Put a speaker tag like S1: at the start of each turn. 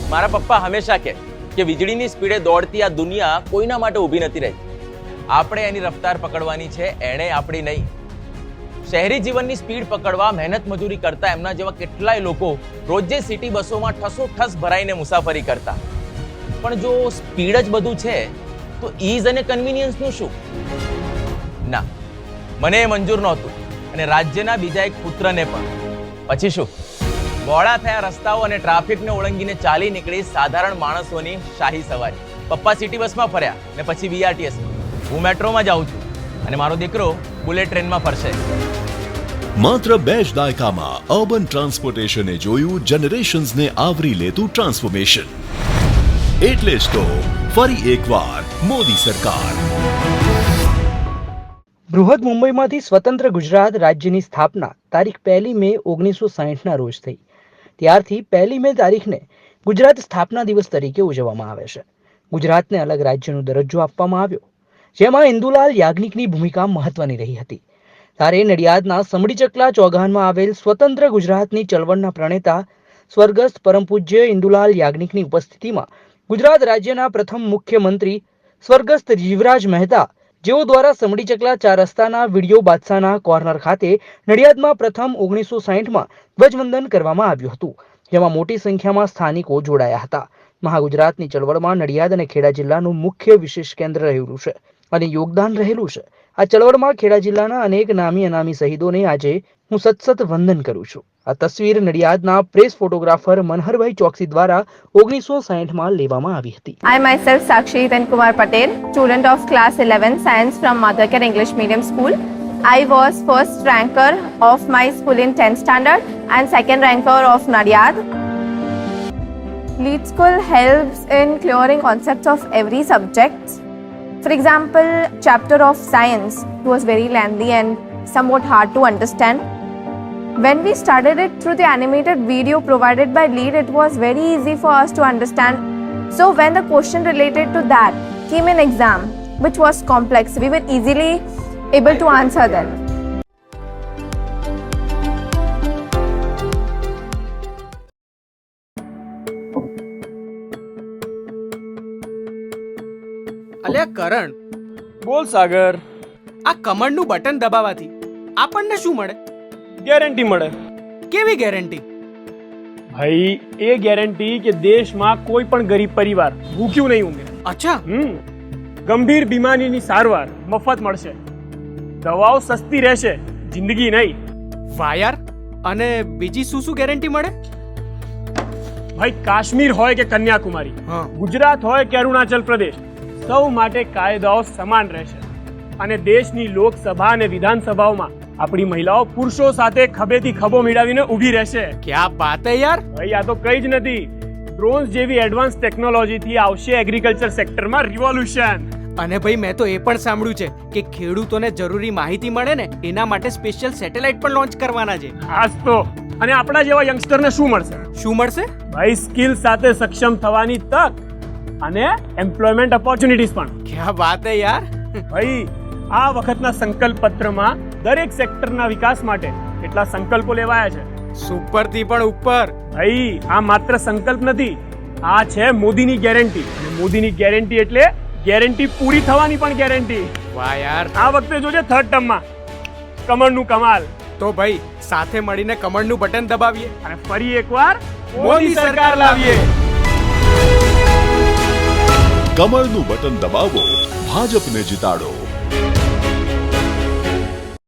S1: મારા પપ્પા હંમેશા કહે કે વીજળીની સ્પીડે દોડતી આ દુનિયા કોઈના માટે ઊભી નથી રહી. આપણે એની રફતાર પકડવાની છે, એણે આપણી નહીં. શહેરી જીવનની સ્પીડ પકડવા મહેનત મજૂરી કરતા એમના જેવા કેટલાય લોકો રોજે સિટી બસોમાં ઠસોઠસ ભરાઈને મુસાફરી કરતા. પણ જો સ્પીડ જ બધું છે તો ઈઝ અને કન્વીનિયન્સનું શું? ના, મને એ મંજૂર નહોતું અને રાજ્યના બીજા એક પુત્રને પણ. પછી શું? મોડા થયા રસ્તાઓ અને ટ્રાફિકને ઓળંગીને ચાલી નીકળી સાધારણ માણસોની શાહી સવારી. પપ્પા સિટી બસમાં ફર્યા ને પછી બીઆરટીએસમાં. હું મેટ્રોમાં જાઉં છું અને મારો દીકરો બુલેટ ટ્રેનમાં ફરશે.
S2: માત્ર 2 જ દાયકામાં અર્બન ટ્રાન્સપોર્ટેશને જોયું જનરેશન્સને આવરી લેતું ટ્રાન્સફોર્મેશન. એટલે જ તો ફરી એકવાર મોદી સરકાર.
S3: બૃહદ મુંબઈમાંથી સ્વતંત્ર ગુજરાત રાજ્યની સ્થાપના તારીખ 1 મે 1960ના રોજ થઈ. ત્યારથી 1 મે તારીખને ગુજરાત સ્થાપના દિવસ તરીકે ઉજવવામાં આવે છે. ગુજરાતને અલગ રાજ્યનો દરજ્જો આપવામાં આવ્યો, જેમાં ઇન્દુલાલ યાજ્ઞિકની ભૂમિકા મહત્વની રહી હતી. ત્યારે નડિયાદના સમડીચકલા ચોગાનમાં આવેલ સ્વતંત્ર ગુજરાતની ચળવળના પ્રણેતા સ્વર્ગસ્થ પરમ પૂજ્ય ઇન્દુલાલ યાજ્ઞિકની ઉપસ્થિતિમાં ગુજરાત રાજ્યના પ્રથમ મુખ્યમંત્રી સ્વર્ગસ્થ જીવરાજ મહેતા, જેઓ દ્વારા સમડીચકલા 4 રસ્તાના વિડીયો બાદશાહના કોર્નર ખાતે નડિયાદમાં પ્રથમ 1960માં ધ્વજવંદન કરવામાં આવ્યું હતું, જેમાં મોટી સંખ્યામાં સ્થાનિકો જોડાયા હતા. મહાગુજરાતની ચળવળમાં નડિયાદ અને ખેડા જિલ્લાનું મુખ્ય વિશેષ કેન્દ્ર રહેલું છે અને યોગદાન રહેલું છે. આ ચળવળમાં ખેડા જિલ્લાના અનેક નામી અનામી શહીદોને આજે હું સતસત વંદન કરું છું. આ તસવીર નડિયાદના પ્રેસ ફોટોગ્રાફર મનહરભાઈ ચોકસી દ્વારા 1960માં લેવામાં આવી હતી.
S4: I myself Sakshi Hitan Kumar Patel, student of class 11 science from Mother Care English Medium School. I was first ranker of my school in 10th standard and second ranker of Nadiad. Lead School helps in clearing concepts of every subject. For example, chapter of science was very lengthy and somewhat hard to understand. When we started it through the animated video provided by Lead, it was very easy for us to understand. So when the question related to that came in exam, which was complex, we were easily able to answer them.
S5: અલ્યા કરણ,
S6: બોલ સાગર.
S5: આ કમળનું button દબાવવાથી આપણને શું મળે?
S6: Guarantee મળે.
S5: કેવી guarantee?
S6: ભાઈ એ ગેરંટી કે દેશમાં કોઈ પણ ગરીબ પરિવાર ભૂખ્યું નહીં ઊંઘે.
S5: અચ્છા.
S6: ગંભીર બીમારીની સારવાર મફત મળશે, દવાઓ સસ્તી રહેશે, જિંદગી નહીં.
S5: વાહ યાર. અને બીજી શું શું ગેરંટી મળે?
S6: ભાઈ કાશ્મીર હોય કે કન્યાકુમારી, ગુજરાત હોય કે અરુણાચલ પ્રદેશ, સૌ માટે કાયદાઓ સમાન રહેશે. અને દેશની લોકસભા અને વિધાનસભાઓમાં આપણી મહિલાઓ પુરુષો સાથે ખભેથી ખભો મિલાવીને ઊભી રહેશે.
S5: ક્યા બાત હે યાર.
S6: ભાઈ આ તો કઈ જ નથી, ડ્રોન્સ જેવી એડવાન્સ ટેકનોલોજીથી આવશે એગ્રીકલ્ચર સેક્ટરમાં રિવોલ્યુશન.
S5: અને ભાઈ મેં તો એ પણ સાંભળ્યું છે કે ખેડૂતોને જરૂરી માહિતી મળે ને એના માટે સ્પેશિયલ સેટેલાઇટ પણ લોન્ચ કરવાના છે.
S6: ખાસ તો. અને આપણા જેવા યંગસ્ટરને શું મળશે?
S5: શું મળશે?
S6: ભાઈ સ્કિલ સાથે સક્ષમ થવાની તક અને એમ્પ્લોયમેન્ટ ઓપોર્ચ્યુનિટીઝ પણ.
S5: ક્યા બાત હે યાર.
S6: ભાઈ આ વખતના સંકલ્પ પત્રમાં દરેક સેક્ટરના વિકાસ માટે કેટલા સંકલ્પો લેવાયા છે.
S5: સુપર થી પણ ઉપર.
S6: ભાઈ આ માત્ર સંકલ્પ નથી, આ છે મોદીની ગેરંટી. અને મોદીની ગેરંટી એટલે ગેરંટી પૂરી થવાની પણ ગેરંટી.
S5: વાહ યાર.
S6: આ વખતે જોજે 3rd ટર્મમાં કમળનું કમાલ.
S5: તો ભાઈ સાથે મળીને કમળનું બટન દબાવીએ
S6: અને ફરી એકવાર
S5: મોદી સરકાર લાવીએ.
S2: કમળનું બટન દબાવો, ભાજપને જીતાડો.